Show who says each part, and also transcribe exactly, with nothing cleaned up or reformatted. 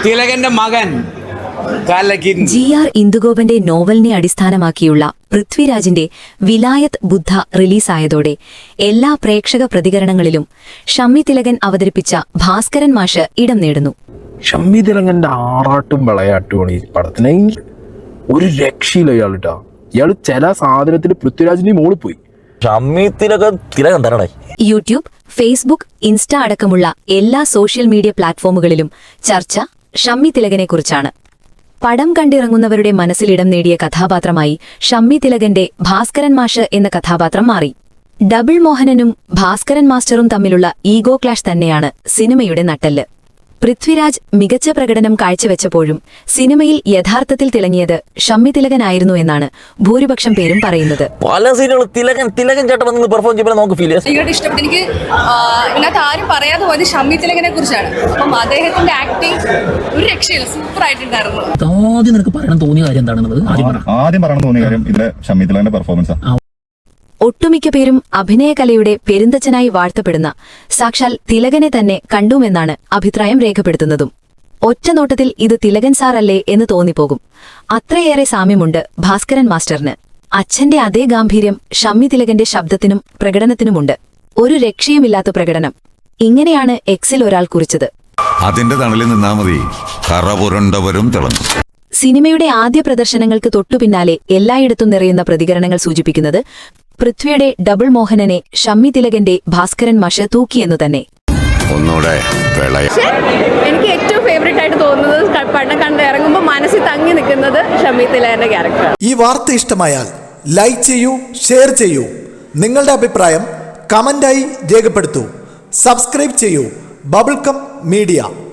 Speaker 1: തിലകന്റെ മകൻ
Speaker 2: G R ഇന്ദുഗോപന്റെ നോവലിനെ അടിസ്ഥാനമാക്കിയുള്ള പൃഥ്വിരാജിന്റെ വിലായത് ബുദ്ധ റിലീസായതോടെ എല്ലാ പ്രേക്ഷക പ്രതികരണങ്ങളിലും ഷമ്മി തിലകൻ അവതരിപ്പിച്ച ഭാസ്കരൻ മാഷ് ഇടം നേടുന്നു.
Speaker 3: ഷമ്മി തിലകന്റെ ആറാട്ടും വിളയാട്ടുമാണ് ഈ പടത്തിന്. ഒരു രക്ഷയില്ല ഇയാളിട്ടാ. ഇയാള് ചില സാധനത്തിൽ പൃഥ്വിരാജിന്റെ മോളിൽ പോയി.
Speaker 2: യൂട്യൂബ്, ഫേസ്ബുക്ക്, ഇൻസ്റ്റ അടക്കമുള്ള എല്ലാ സോഷ്യൽ മീഡിയ പ്ലാറ്റ്ഫോമുകളിലും ചർച്ച ഷമ്മി തിലകനെ കുറിച്ചാണ്. പടം കണ്ടിറങ്ങുന്നവരുടെ മനസ്സിലിടം നേടിയ കഥാപാത്രമായി ഷമ്മി തിലകന്റെ ഭാസ്കരൻ മാഷ് എന്ന കഥാപാത്രം മാറി. ഡബിൾ മോഹനനും ഭാസ്കരൻ മാസ്റ്ററും തമ്മിലുള്ള ഈഗോ ക്ലാഷ് തന്നെയാണ് സിനിമയുടെ നട്ടെല്ല്. പൃഥ്വിരാജ് മികച്ച പ്രകടനം കാഴ്ചവെച്ചപ്പോഴും സിനിമയിൽ യഥാർത്ഥത്തിൽ തിളങ്ങിയത് ഷമ്മി തിലകനായിരുന്നു എന്നാണ് ഭൂരിപക്ഷം പേരും പറയുന്നത്.
Speaker 4: പല സിനിമകളും തിലകൻ തിലകൻ ചേട്ടൻ വന്ന് പെർഫോം ചെയ്യുമ്പോൾ നമുക്ക് ഫീൽ ചെയ്യാം.
Speaker 5: ഇഷ്ടപ്പെട്ടു. എനിക്ക് ഇതിനകത്ത് ആരും പറയാതെ പോയത് ഷമ്മി തിലകനെ കുറിച്ചാണ്. അപ്പം അദ്ദേഹത്തിന്റെ ആക്ടിങ് ഒരു രക്ഷയില്ല, സൂപ്പർ ആയിട്ടുണ്ടായിരുന്നു.
Speaker 4: ആദ്യം നിനക്ക് പറയണം തോന്നിയ കാര്യം എന്താണെന്നുള്ളത്
Speaker 6: ആദ്യം പറയണം തോന്നിയ കാര്യം ഇതിലെ ഷമ്മി തിലകന്റെ പെർഫോമൻസ്.
Speaker 2: ഒട്ടുമിക്ക പേരും അഭിനയകലയുടെ പെരുന്തച്ഛനായി വാഴ്ത്തപ്പെടുന്ന സാക്ഷാൽ തിലകനെ തന്നെ കണ്ടുമെന്നാണ് അഭിപ്രായം രേഖപ്പെടുത്തുന്നതും. ഒറ്റനോട്ടത്തിൽ ഇത് തിലകൻ സാറല്ലേ എന്ന് തോന്നിപ്പോകും. അത്രയേറെ സാമ്യമുണ്ട് ഭാസ്കരൻ മാസ്റ്ററിന്. അച്ഛന്റെ അതേ ഗാംഭീര്യം ഷമ്മി തിലകന്റെ ശബ്ദത്തിനും പ്രകടനത്തിനുമുണ്ട്. ഒരു രക്ഷയുമില്ലാത്ത പ്രകടനം. ഇങ്ങനെയാണ് എക്സിൽ ഒരാൾ കുറിച്ചത്.
Speaker 7: അതിന്റെ തണലിൽ നിന്നാ മതി, കറ പുരണ്ടവരും തിളങ്ങും.
Speaker 2: സിനിമയുടെ ആദ്യ പ്രദർശനങ്ങൾക്ക് തൊട്ടുപിന്നാലെ എല്ലായിടത്തും നിറയുന്ന പ്രതികരണങ്ങൾ സൂചിപ്പിക്കുന്നത് പൃഥ്വിയുടെ ഡബിൾ മോഹനനെ ഷമ്മി തിലകന്റെ ഭാസ്കരൻ മാഷ് തൂക്കിയെന്നു തന്നെ.
Speaker 5: എനിക്ക് ഏറ്റവും ഫേവറേറ്റ് ആയിട്ട് തോന്നുന്നത് പടം കണ്ട് ഇറങ്ങുമ്പോൾ മനസ്സിൽ തങ്ങി നിൽക്കുന്നത് ഷമ്മി തിലകന്റെ ക്യാരക്ടർ.
Speaker 8: ഈ വാർത്ത ഇഷ്ടമായാൽ ലൈക്ക് ചെയ്യൂ, ഷെയർ ചെയ്യൂ. നിങ്ങളുടെ അഭിപ്രായം കമന്റായി രേഖപ്പെടുത്തൂ. സബ്സ്ക്രൈബ് ചെയ്യൂ ബബിൾകം മീഡിയ.